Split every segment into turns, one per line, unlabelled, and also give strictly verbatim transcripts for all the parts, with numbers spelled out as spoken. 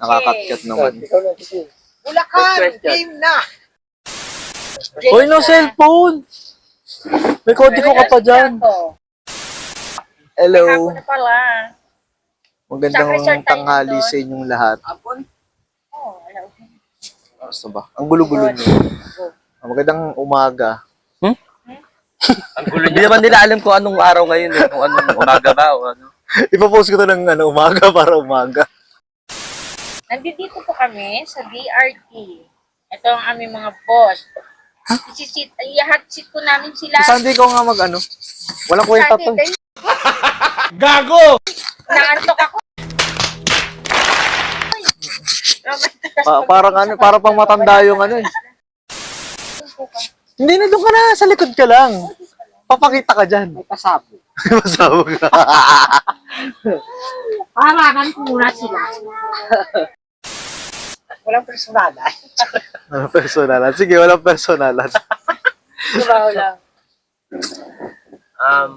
Nakakakyat naman.
Bulacan, game na!
Hoy, no cellphone! May kode ko ka pa dyan. Hello.
Hapon na pala.
Magandang tanghali sa inyong lahat.
Hapon? Oo, alam.
Basta ba? Ang gulo-gulo nyo. Magandang umaga.
Hmm? Ang gulo niya. Hindi naman nila alam kung anong araw ngayon eh. Kung anong umaga ba o ano.
Ipapost ko to ng ano, umaga para umaga.
Nandito po kami sa D R T. Ito ang aming mga boss. Isisit, i-hot seat po namin sila.
Sa Sunday ko nga mag ano. Walang kwenta to.
Gago!
Naantok ako.
Pa parang ano, para pang matanda yung ano eh. Hindi na, doon ka na, sa likod ka lang. Papakita ka dyan.
May pasabo.
Masabog ka.
Paranan ko muna sila.
Walang personalan.
Walang personalan. Sige, walang personalan.
Trabaho lang.
Um,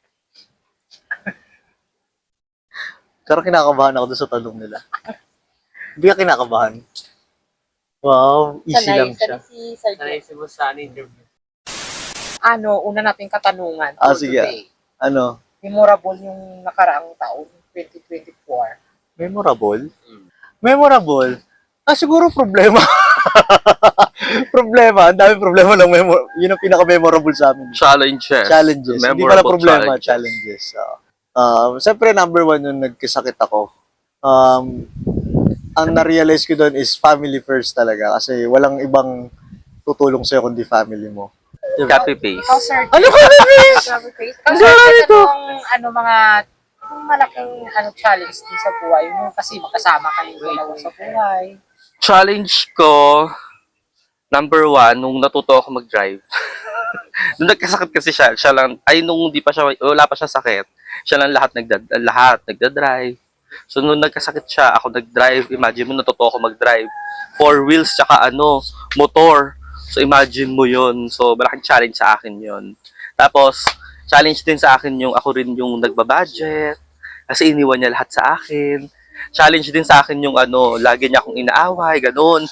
Pero kinakabahan ako doon sa tanong nila. Hindi ka kinakabahan. Wow, easy
Sanay,
lang siya.
sanay si Sir
sanay
Jeff.
si Boss Sunny interview.
Ano, una nating katanungan.
Ah,
for
sige.
today.
Ano?
Memorable yung nakaraang taon, twenty twenty-four.
Memorable? Memorable? Ah, siguro problema. Problema. Ang dami problema ng memor... Yun ang pinaka-memorable sa amin.
Challenges.
Challenges. Hindi
Memorable
pala problema,
challenges.
challenges. Uh, uh, Siyempre, number one yung nagkasakit ako. Um, ang na-realize ko doon is family first talaga. Kasi walang ibang tutulong sa'yo kundi family mo.
Copy paste.
Ikaw, Sir
Ano ka na, Chris?
Ikaw, Sir Jeff, anong, ano, mga yung malaking ano, challenge din sa buhay? Yung kasi makasama kayo dalawa sa buhay.
Challenge ko, number one, nung natuto ako mag-drive. Nung nagkasakit kasi siya, siya lang, ay nung di pa siya, wala pa siya sakit, siya lang lahat, nagda, lahat nagda-drive. So nung nagkasakit siya, ako nag-drive, imagine mo natuto ako mag-drive. Four wheels, tsaka ano, motor. So imagine mo yun. So malaking challenge sa akin yun. Tapos, challenge din sa akin yung ako rin yung nagbabudget. Kasi iniwan niya lahat sa akin. Challenge din sa akin yung ano, lagi niya akong inaaway, ganun.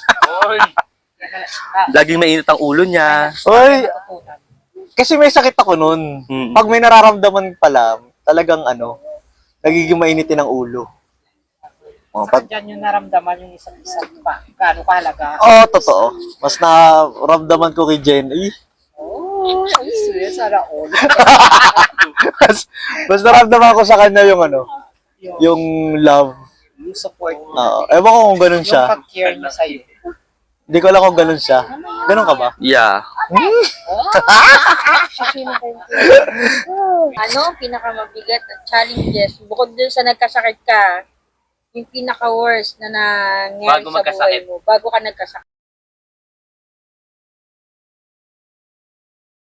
Laging mainit ang ulo niya.
Oy, kasi may sakit ako nun.
Mm.
Pag may nararamdaman pala, talagang ano, nagiging mainitin ang ulo. Oh,
Saan
pag,
dyan yung naramdaman yung isang isang pa? Gaano kahalaga?
oh, totoo. Mas naramdaman ko kay Jen. Eh,
Oh, ay, serious, sana all.
mas, mas naramdaman ko sa kanya yung ano, yung love.
Yung support.
Oo. Ewan ko kung ganun
Yung
siya.
pag-care niya sa'yo.
Hindi ko alam kung ganun siya. Ganun ka ba?
Yeah.
Ano, pinakamabigat na challenges, bukod dun sa nagkasakit ka, yung pinaka-worst na nangyari
Bago
sa buhay
magkasakit.
mo, bago ka nagkasakit.